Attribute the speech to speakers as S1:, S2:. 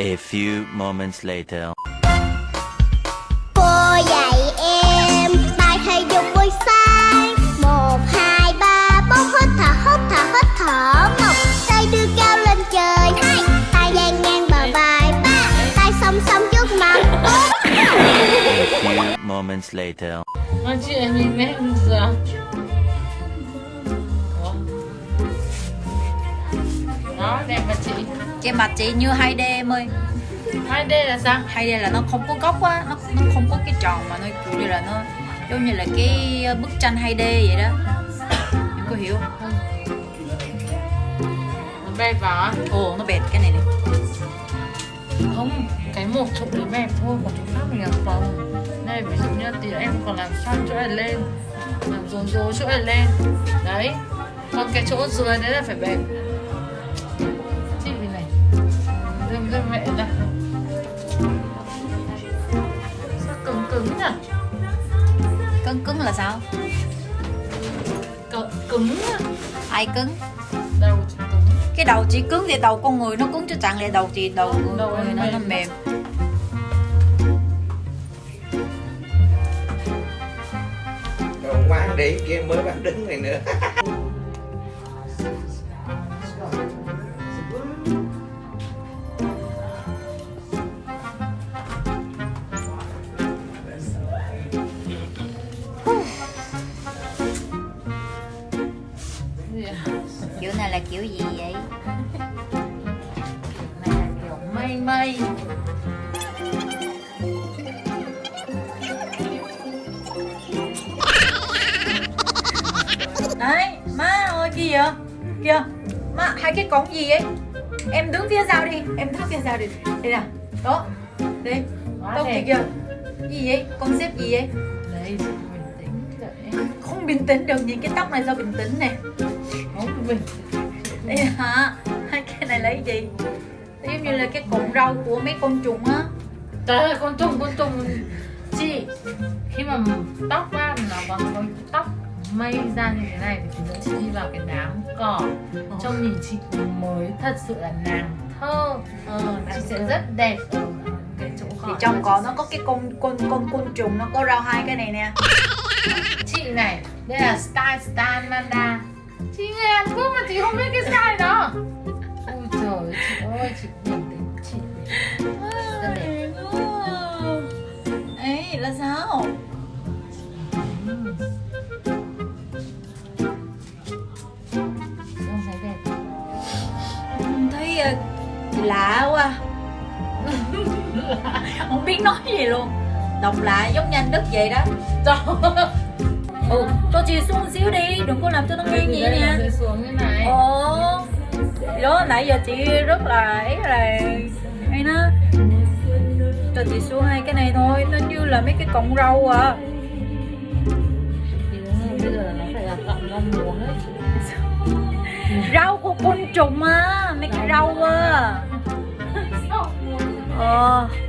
S1: A few moments later.
S2: Cô dạy em bài thể dục buổi sáng. 1, 2, 3, 4 hít thở, hít thở, hít thở. 1, tay đưa cao lên trời. 2, tay dang ngang bờ vai. 3, tay song song trước mặt. 4.
S1: A few moments later.
S3: Chị em nhìn mẹ giờ. Đó, đẹp mà chị.
S4: Che mặt chị như 2D em ơi.
S3: 2D là sao?
S4: 2D là nó không có góc á, nó không có cái tròn mà nó kiểu như là nó giống như là cái bức tranh 2D vậy đó. Em có hiểu không?
S3: Nó bẹp vào á?
S4: Ồ, nó bệt cái này này.
S3: Không, cái một chỗ đấy bẹp thôi, còn chỗ khác mình làm phòng. Đây, ví dụ như tí em còn làm xoăn chỗ này lên, làm rối chỗ này lên. Đấy, còn cái chỗ dưới đấy là phải bẹp. Chị vì này, dâm mẹ ra. Sao cứng nhỉ?
S4: Cứng là sao?
S3: Cứng á.
S4: Ai cứng?
S3: Đầu chị cứng.
S4: Cái đầu chị cứng thì đầu con người nó cứng chứ chẳng lẽ đầu chị đầu
S3: Đầu
S4: người
S3: em
S4: nó
S3: mềm.
S4: mềm.
S5: Còn quán để kia mới bán đứng này nữa.
S3: Gì à?
S4: Kiểu này là kiểu gì vậy?
S3: Này là kiểu mây.
S4: Đấy, má ơi kia vậy? Kìa, má hai cái cổng gì vậy? Em đứng phía sau đi, em đứng phía sau đi. Đây nè, đó, đi.
S3: Quá
S4: Đâu
S3: đẹp.
S4: kìa. Gì vậy? Concept gì vậy?
S3: Đấy, chị bình tĩnh đấy.
S4: Không bình tĩnh được, nhìn cái tóc này sao bình tĩnh nè.
S3: Không bình.
S4: Đây hả? Hai cái này lấy gì? Giống như là cái cọng rau của mấy con trùng á.
S3: Trời ơi, con trùng chị khi mà tóc á nó còn có tóc mây ra như thế này thì tí nữa chị đi vào cái đám cỏ trông nhìn chị mới thật sự là nàng thơ. Chị sẽ rất đẹp ở cái chỗ cỏ.
S4: Thì trong cỏ nó có cái con trùng, nó có rau hai cái này nè.
S3: Chị này, đây là style Manda. Chị người Hàn Quốc mà chị không biết cái style đó. Ôi trời chị ơi, chị bình tĩnh chị rất đẹp.
S4: Ê, là sao?
S3: Không thấy đẹp.
S4: Thấy lạ quá. Không biết nói gì luôn. Đọc lại giống như anh Đức vậy đó. Cho chị xuống một xíu đi, đừng có làm cho nó ngang vậy
S3: Đây
S4: nha.
S3: là xuống như này.
S4: Đó, nãy giờ chị rất là hay nó. Cho chị xuống hai cái này thôi, nó như là mấy cái cọng rau à.
S3: Thì đúng rồi, bây giờ là nó phải là cọng rau muống ấy.
S4: Rau của côn trùng á, mấy cái rau á.
S3: Rau muống.
S4: Ờ